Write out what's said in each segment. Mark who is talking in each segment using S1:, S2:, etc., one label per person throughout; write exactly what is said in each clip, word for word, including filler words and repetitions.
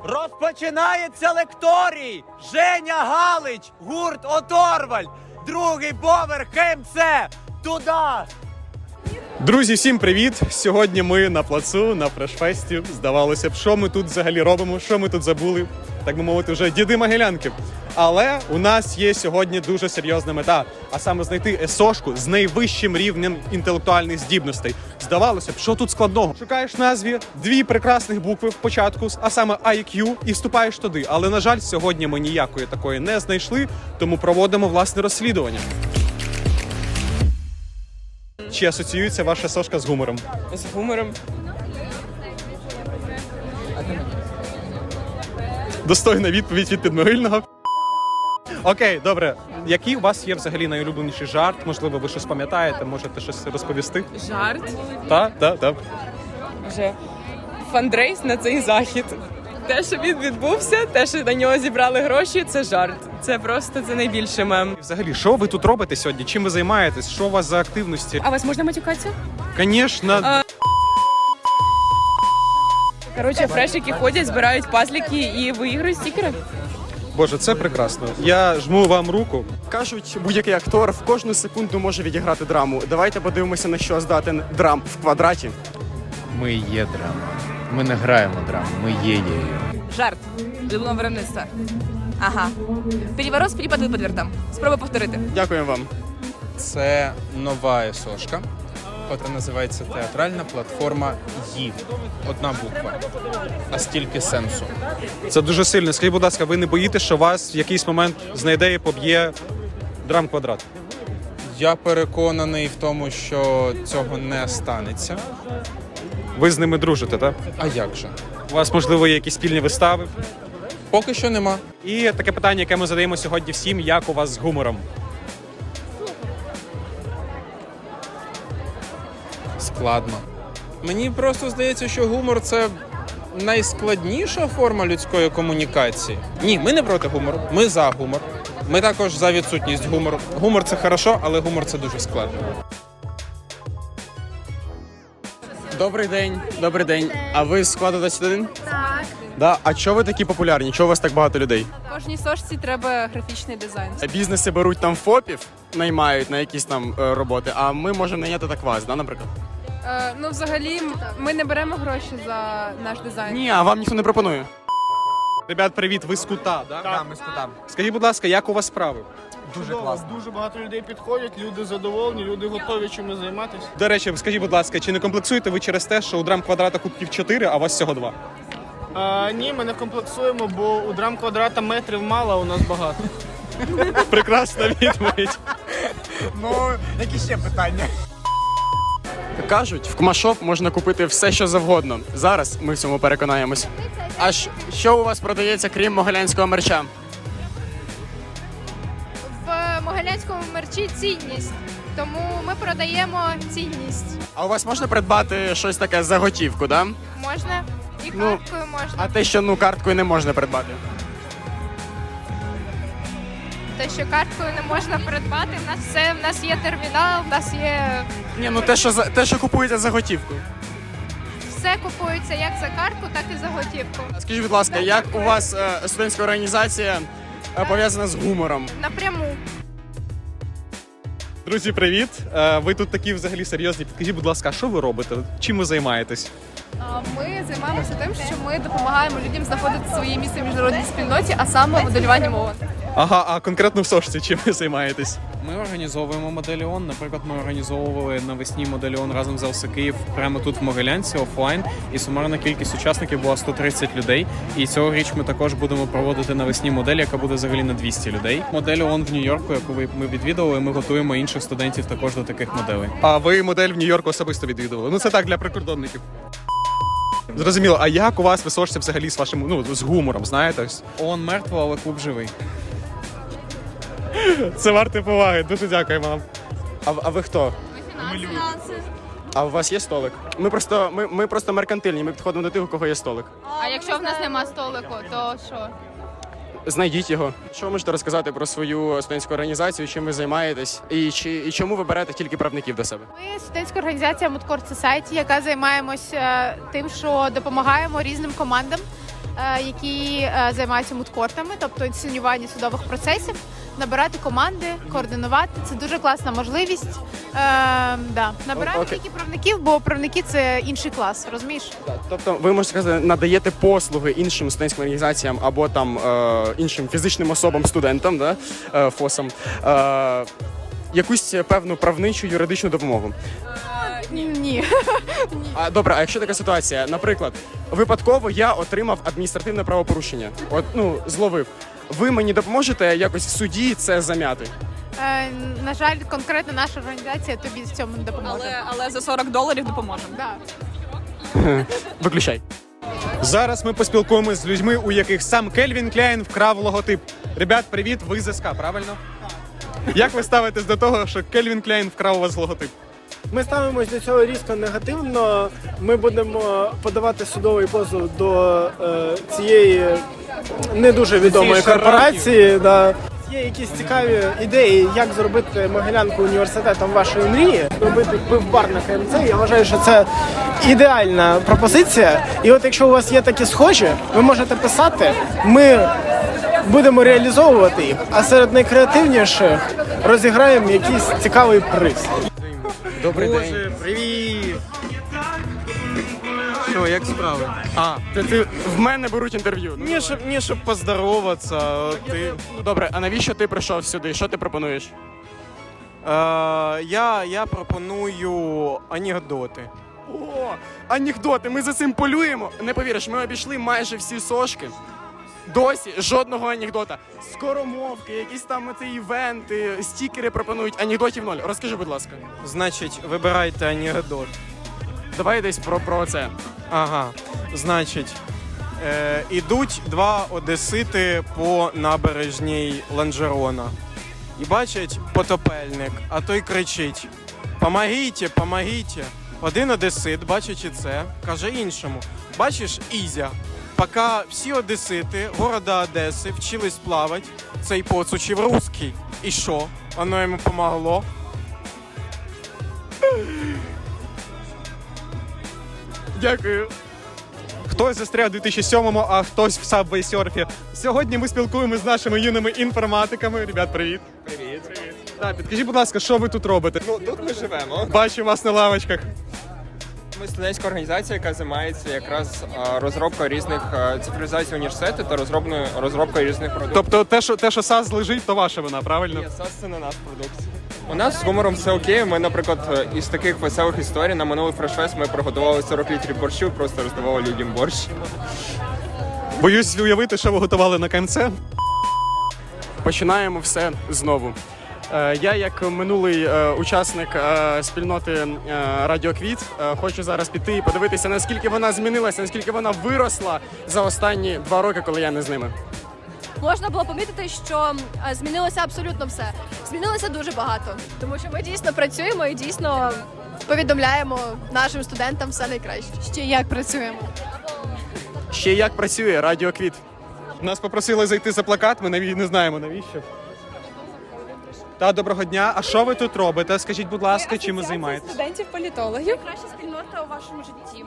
S1: Розпочинається лекторій! Женя Галич, гурт Оторваль, другий поверх КМЦ, туди!
S2: Друзі, всім привіт! Сьогодні ми на плацу, на фрешфесті. Здавалося б, що ми тут взагалі робимо, що ми тут забули, так би мовити, вже діди Могилянки. Але у нас є сьогодні дуже серйозна мета, а саме знайти есошку з найвищим рівнем інтелектуальних здібностей. Здавалося б, що тут складного? Шукаєш в назві дві прекрасних букви в початку, а саме ай к'ю, і вступаєш туди. Але, на жаль, сьогодні ми ніякої такої не знайшли, тому проводимо власне розслідування. Чи асоціюється ваша сошка з гумором?
S3: З гумором.
S2: Достойна відповідь від підмогильного. Окей, добре. Який у вас є взагалі найулюбленіший жарт? Можливо, ви щось пам'ятаєте, можете щось розповісти?
S3: Жарт.
S2: Так, так, так.
S3: Вже фандрейс на цей захід. Те, що він відбувся, те, що на нього зібрали гроші, це жарт. Це просто це найбільше мем.
S2: Взагалі, що ви тут робите сьогодні? Чим ви займаєтесь? Що у вас за активності?
S3: А вас можна матюкатися?
S2: Звісно.
S3: А... Коротше, фрешики ходять, збирають пазлики і виіграють стікери.
S2: Боже, це прекрасно. Я жму вам руку.
S4: Кажуть, будь-який актор в кожну секунду може відіграти драму. Давайте подивимося, на що здатен драм в квадраті.
S5: Ми є драма. Ми не граємо драму, ми є її.
S6: Жарт. Любого виробництва. Ага. Переворот з перепад випадвертом. Спробуй повторити.
S4: Дякуємо вам.
S5: Це нова есошка, яка називається театральна платформа «Ї». Одна буква, а стільки сенсу.
S2: Це дуже сильно. Скажіть, будь ласка, ви не боїтеся, що вас в якийсь момент знайде і поб'є драм-квадрат?
S5: Я переконаний в тому, що цього не станеться.
S2: Ви з ними дружите, так?
S5: А як же?
S2: У вас, можливо, є якісь спільні вистави?
S5: Поки що нема.
S2: І таке питання, яке ми задаємо сьогодні всім, як у вас з гумором?
S5: Складно. Мені просто здається, що гумор – це найскладніша форма людської комунікації. Ні, ми не проти гумору, ми за гумор. Ми також за відсутність гумору. Гумор – це хорошо, але гумор – це дуже складно.
S4: Добрий день, добрий день. А ви з складу двадцять один? Так. Да? А чого ви такі популярні? Чого у вас так багато людей?
S6: Кожній сошці треба графічний дизайн.
S4: Бізнеси беруть там фопів, наймають на якісь там е, роботи, а ми можемо найняти так вас, да, наприклад?
S6: Е, ну, взагалі, ми не беремо гроші за наш дизайн.
S4: Ні, а вам ніхто не пропонує.
S2: Ребят, привіт, ви з кута, да?
S7: Так, ми з кутам.
S2: Скажіть, будь ласка, як у вас справи?
S7: Дуже класно. Дуже багато людей підходять, люди задоволені, люди готові чимось займатися.
S2: До речі, скажіть, будь ласка, чи не комплексуєте ви через те, що у драм-квадрата кубків чотири, а у вас всього два?
S7: А, ні, ми не комплексуємо, бо у драм-квадрата метрів мало, а у нас багато.
S2: Прекрасна відповідь.
S7: Ну, які ще питання?
S4: Кажуть, в Кмашоп можна купити все, що завгодно. Зараз ми в цьому переконаємось. А ж що у вас продається, крім могилянського мерча?
S8: В могилянському мерчі цінність, тому ми продаємо цінність.
S4: А у вас можна придбати щось таке за готівку, да?
S8: Можна і
S4: Ну,
S8: карткою можна.
S4: А те, що ну карткою не можна придбати.
S8: Те, що карткою не можна придбати, в нас все, в нас є термінал, в нас є
S4: Ні, ну те, що за те, що купується за готівку.
S8: все купується як за картку, так і за готівку.
S4: Скажіть, будь ласка, як у вас е, студентська організація е, пов'язана з гумором?
S8: Напряму.
S2: Друзі, привіт. Е, Ви тут такі взагалі серйозні. Підкажіть, будь ласка, а що ви робите? Чим ви займаєтесь?
S6: Ми займаємося тим, що ми допомагаємо людям знаходити своє місце в міжнародній спільноті, а саме моделювання мови.
S2: Ага, а конкретно в сошці чим ви займаєтесь?
S9: Ми організовуємо Моделіон. Наприклад, ми організовували навесні Моделіон разом з ел ес Київ прямо тут в Могилянці офлайн. І сумарна кількість учасників була сто тридцять людей. І цьогоріч ми також будемо проводити навесні модель, яка буде взагалі на двісті людей. Моделіон в Нью-Йорку, яку ви- ми відвідували, ми готуємо інших студентів також до таких моделей.
S2: А ви модель в Нью-Йорку особисто відвідували? Ну це так, для прикордонників. Зрозуміло, а як у вас височиться взагалі з вашим, ну, з гумором, знаєте?
S9: ООН мертво, але клуб живий.
S2: Це варте поваги, дуже дякуємо вам.
S4: А, а ви хто? А у вас є столик? Ми просто, ми, ми просто меркантильні, ми підходимо до тих, у кого є столик.
S8: А якщо в нас нема столику, то що?
S4: Знайдіть його. Що ви можете розказати про свою студентську організацію, чим ви займаєтесь, і, чи, і чому ви берете тільки правників до себе?
S8: Ми студентська організація Moodcourt Society, яка займаємося тим, що допомагаємо різним командам е, які е, займаються мудкортами, тобто інсценювання судових процесів, набирати команди, координувати. Це дуже класна можливість. Е, да. Набираємо
S4: Окей.
S8: тільки правників, бо правники це інший клас, розумієш?
S4: Тобто, ви можете сказати, надаєте послуги іншим студентським організаціям або там е, іншим фізичним особам, студентам, да, е, ФОСам, е, якусь певну правничу юридичну допомогу.
S8: Ні.
S4: А добре, а якщо така ситуація, наприклад, випадково я отримав адміністративне правопорушення, от ну зловив. Ви мені допоможете якось в суді це зам'яти?
S8: Е, на жаль, конкретно наша організація тобі в цьому не допоможе.
S3: Але, але за сорок доларів допоможемо.
S8: Да.
S4: Виключай.
S2: Зараз ми поспілкуємося з людьми, у яких сам Кельвін Кляйн вкрав логотип. Ребят, привіт, ви з СК, правильно? Як ви ставитесь до того, що Кельвін Кляйн вкрав у вас логотип?
S7: Ми ставимось до цього різко негативно. Ми будемо подавати судовий позов до е, цієї не дуже відомої корпорації. Да. Є якісь цікаві ідеї, як зробити Могилянку університетом вашої мрії, зробити пивбар на КМЦ. Я вважаю, що це ідеальна пропозиція. І от якщо у вас є такі схожі, ви можете писати. Ми будемо реалізовувати їх, а серед найкреативніших розіграємо якийсь цікавий приз.
S4: Добрий день.
S1: Боже, привіт! Що, як справи?
S4: А, ти, ти в мене беруть інтерв'ю. Ну,
S1: Ні, щоб, ні, щоб поздороватися, а ти...
S4: ну, добре, а навіщо ти прийшов сюди? Що ти пропонуєш?
S1: Е, я, я пропоную анекдоти.
S4: О, анекдоти, ми за цим полюємо. Не повіриш, ми обійшли майже всі сошки. Досі жодного анекдота. Скоромовки, якісь там ці івенти, стікери пропонують. Анекдотів ноль. Розкажи, будь ласка.
S1: Значить, вибирайте анекдот.
S4: Давай десь про, про це.
S1: Ага, значить, е, ідуть два одесити по набережній Ланжерона. І бачать потопельник, а той кричить: «Помогіть, помогіть!» Один одесит, бачачи це, каже іншому: «Бачиш, Ізя, поки всі одесити города Одеси вчились плавати, цей поц учив русський. І що? Воно йому помогло?»
S4: Дякую.
S2: Хтось застряг у дві тисячі сьомому, а хтось в Subway Surf. Сьогодні ми спілкуємося з нашими юними інформатиками. Ребят, привіт. Привіт, привіт. Так, підкажіть, будь ласка, що ви тут робите?
S10: Ну, тут ми живемо.
S2: Бачу вас на лавочках.
S10: Ми студентська організація, яка займається якраз а, розробкою різних а, цифровізацій університету та розробною розробкою різних продуктів.
S2: Тобто те, що те, що САС лежить, то ваша вина, правильно?
S10: Ні, САС – це не наш продукт. У нас з гумором все окей. Ми, наприклад, із таких веселих історій на минулий фрешфест ми приготували сорок літрів борщу і просто роздавали людям борщ.
S2: Боюсь уявити, що ви готували на КМЦ.
S4: Починаємо все знову. Е, Я, як минулий е, учасник е, спільноти е, Радіо Квіт, е, хочу зараз піти і подивитися, наскільки вона змінилася, наскільки вона виросла за останні два роки, коли я не з ними.
S6: Можна було помітити, що е, змінилося абсолютно все. Змінилося дуже багато, тому що ми дійсно працюємо і дійсно повідомляємо нашим студентам все найкраще. Ще як працюємо.
S4: Ще як працює Радіо Квіт.
S2: Нас попросили зайти за плакат, ми наві- не знаємо навіщо. Та, доброго дня. А що ви тут робите? Скажіть, будь ласка, чим ви займаєтесь?
S3: Студентів-політологів.
S6: Краща спільнота у вашому житті.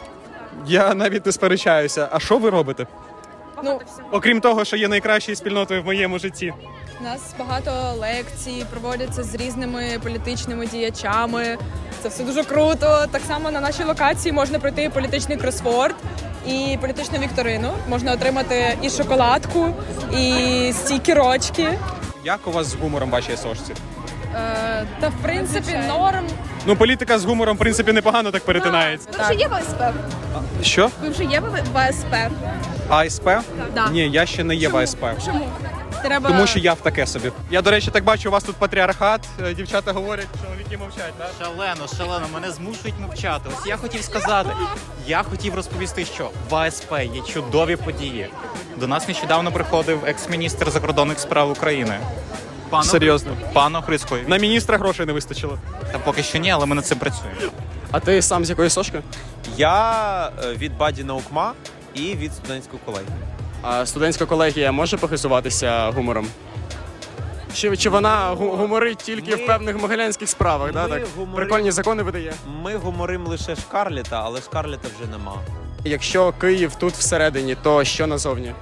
S2: Я навіть не сперечаюся. А що ви робите?
S3: Ну,
S2: Окрім того, що є найкращою спільнотою в моєму житті.
S3: у нас багато лекцій проводяться з різними політичними діячами. Це все дуже круто. Так само на нашій локації можна пройти політичний кросворд і політичну вікторину. Можна отримати і шоколадку, і стікерочки.
S2: Як у вас з гумором в вашій сошці?
S3: Е, та в принципі норм.
S2: Ну, політика з гумором, в принципі, непогано так перетинається.
S6: Ви вже є в АСП?
S2: Що?
S6: Ви вже є в АСП?
S2: АСП?
S3: Да.
S2: Ні, я ще не є в АСП.
S3: Чому? Треба...
S2: Тому що я в таке собі. Я, до речі, так бачу, у вас тут патріархат. Е, Дівчата говорять, чоловіки мовчать, так?
S1: Шалено, шалено, мене змушують мовчати. Ось я хотів сказати, я хотів розповісти, що в АСП є чудові події. До нас нещодавно приходив екс-міністр закордонних справ України. Пан
S2: Серйозно?
S1: Пан Охрицький.
S2: На міністра грошей не вистачило.
S1: Та поки що ні, але ми над цим працюємо.
S4: А ти сам з якої сошки?
S11: Я е, від Баді Наукма і від студентської колегії.
S4: А студентська колегія може похизуватися гумором? Чи, чи вона гу- гуморить тільки
S11: Ми-
S4: в певних могилянських справах? Да,
S11: ми
S4: так?
S11: гуморим-
S4: Прикольні закони видає.
S11: Ми гуморим лише Шкарлета, але Шкарлета вже нема.
S4: Якщо Київ тут всередині, то що назовні?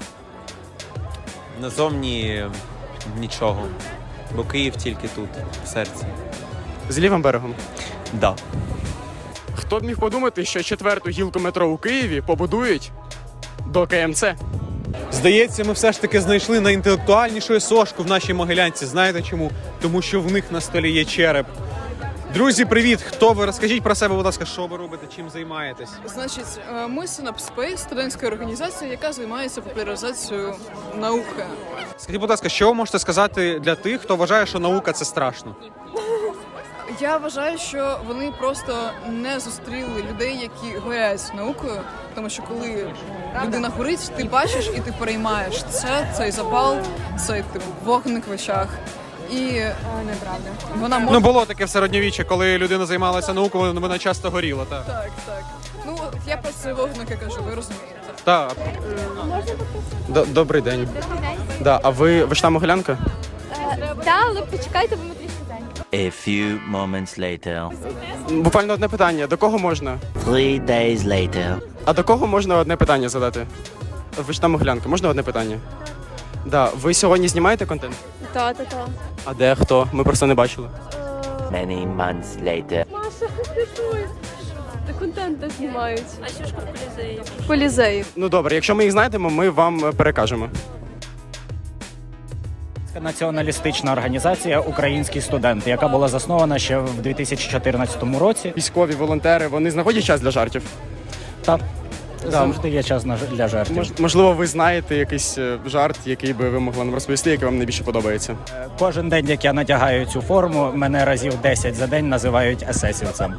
S11: Назовні нічого. Бо Київ тільки тут, в серці.
S4: З лівим берегом.
S11: Да.
S4: Хто б міг подумати, що четверту гілку метро у Києві побудують до Ка Ем Це?
S2: Здається, ми все ж таки знайшли найінтелектуальнішу сошку в нашій Могилянці. Знаєте чому? Тому що в них на столі є череп. Друзі, привіт! Хто ви? Розкажіть про себе, будь ласка, що ви робите, чим займаєтесь?
S3: Значить, е, ми Synapse Space, студентська організація, яка займається популяризацією науки.
S2: Скажіть, будь ласка, що ви можете сказати для тих, хто вважає, що наука – це страшно?
S3: Я вважаю, що вони просто не зустріли людей, які горять наукою, тому що коли людина горить, ти бачиш і ти переймаєш це, цей запал, цей типу вогник в очах. І неправда. Вона може...
S2: Ну, було таке в середньовіччі, коли людина займалася наукою, вона часто горіла, так?
S3: Так, так. Ну, я про це вогники кажу, ви розумієте.
S2: Так.
S4: Добрий день. Да, а ви, ви ж там Могилянка?
S6: Так, але почекайте, бо ми трішки зайняті.
S12: A few moments later.
S4: Буквально одне питання. До кого можна?
S12: Three days later.
S4: А до кого можна одне питання задати? Ви ж там Могилянка, можна одне питання? Да, ви сьогодні знімаєте контент?
S6: Та, та, та.
S4: А де, хто? Ми просто не бачили.
S12: Many months later.
S6: Маша, ти Та контент де знімають. А що ж в Колізеї? В Колізеї.
S4: Ну добре, якщо ми їх знайдемо, ми вам перекажемо.
S13: Націоналістична організація «Український студент», яка була заснована ще в дві тисячі чотирнадцятому році.
S4: Військові, волонтери, вони знаходять час для жартів?
S13: Так, завжди є час на- для жартів.
S4: Мож- можливо, ви знаєте якийсь е, жарт, який би ви могли нам розповісти, який вам найбільше подобається?
S13: Е, Кожен день, як я надягаю цю форму, мене разів десять за день називають есесівцем.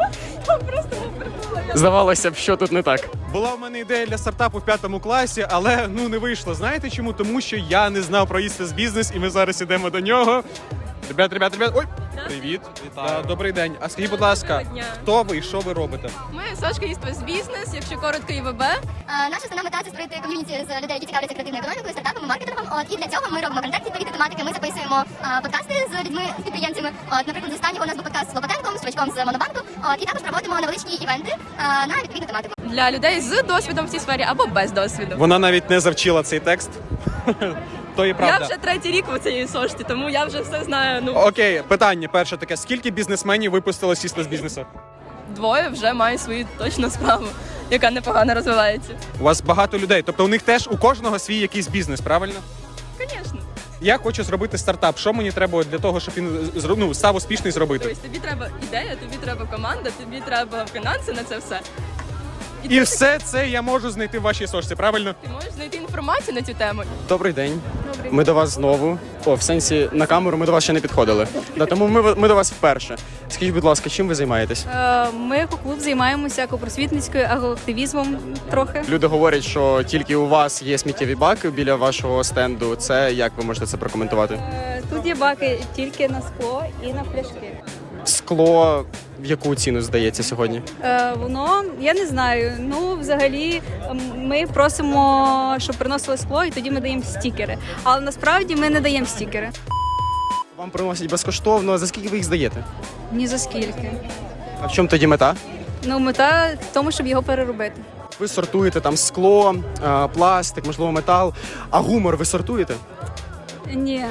S4: Здавалося б, що тут не так.
S2: Була в мене ідея для стартапу в п'ятому класі, але ну не вийшло. Знаєте чому? Тому що я не знав про Істес бізнес, і ми зараз ідемо до нього. Ребят, ребят, ребят. Ой, привіт. Да, добрий день. А скажіть, будь ласка, хто ви і що ви робите?
S6: Ми Сашка Істес Бізнес, якщо коротко, ІВБ.
S14: Наша основна мета – це створити ком'юніті з людей, які цікавляться креативною економікою, стартапами, маркетингом. От, і для цього ми робимо контент відповідної тематики. Ми записуємо а, подкасти з людьми, з підприємцями. От, наприклад, з останнього у нас був подкаст з Лопатенком, з чувачком з Монобанку. От, і також проводимо невеличкі івенти а, на відповідну тематику.
S6: Для людей з досвідом в цій сфері або без досвіду.
S2: Вона навіть не завчила цей текст. То і правда.
S6: Я вже третій рік у цій сошті, тому я вже все знаю. Ну,
S2: Окей, питання перше таке. Скільки бізнесменів випустило з Істес бізнесу?
S6: двоє вже мають свою точну справу, яка непогано розвивається.
S2: У вас багато людей, тобто у них теж у кожного свій якийсь бізнес, правильно?
S6: Звісно.
S2: Я хочу зробити стартап. Що мені треба для того, щоб він зро- ну, став успішний зробити?
S6: Тобто тобі треба ідея, тобі треба команда, тобі треба фінанси на це все.
S2: І все це я можу знайти в вашій сошці, правильно?
S6: Ти можеш знайти інформацію на цю тему.
S4: Добрий день. Ми до вас знову. О, в сенсі на камеру ми до вас ще не підходили. Да, тому ми, ми до вас вперше. Скажіть, будь ласка, чим ви займаєтесь?
S8: Ми як клуб займаємося екопросвітницькою активізмом трохи.
S4: Люди говорять, що тільки у вас є сміттєві баки біля вашого стенду. Це як ви можете це прокоментувати?
S8: Тут є баки тільки на скло і на пляшки.
S4: Скло в яку ціну здається сьогодні?
S8: Е, воно, я не знаю. Ну, взагалі, м, ми просимо, щоб приносили скло, і тоді ми даємо стікери. Але насправді ми не даємо стікери.
S4: Вам приносять безкоштовно. За скільки ви їх здаєте?
S8: Ні за скільки.
S4: А в чому тоді мета?
S8: Ну, мета в тому, щоб його переробити.
S4: Ви сортуєте там скло, е, пластик, можливо, метал. А гумор ви сортуєте?
S8: Ні.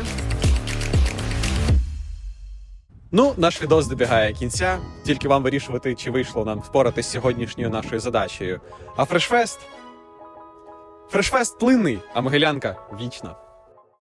S2: Ну, наш відос добігає кінця. Тільки вам вирішувати, чи вийшло нам впоратись з сьогоднішньою нашою задачею. А Фрешфест? Фрешфест плинний, а Могилянка вічна.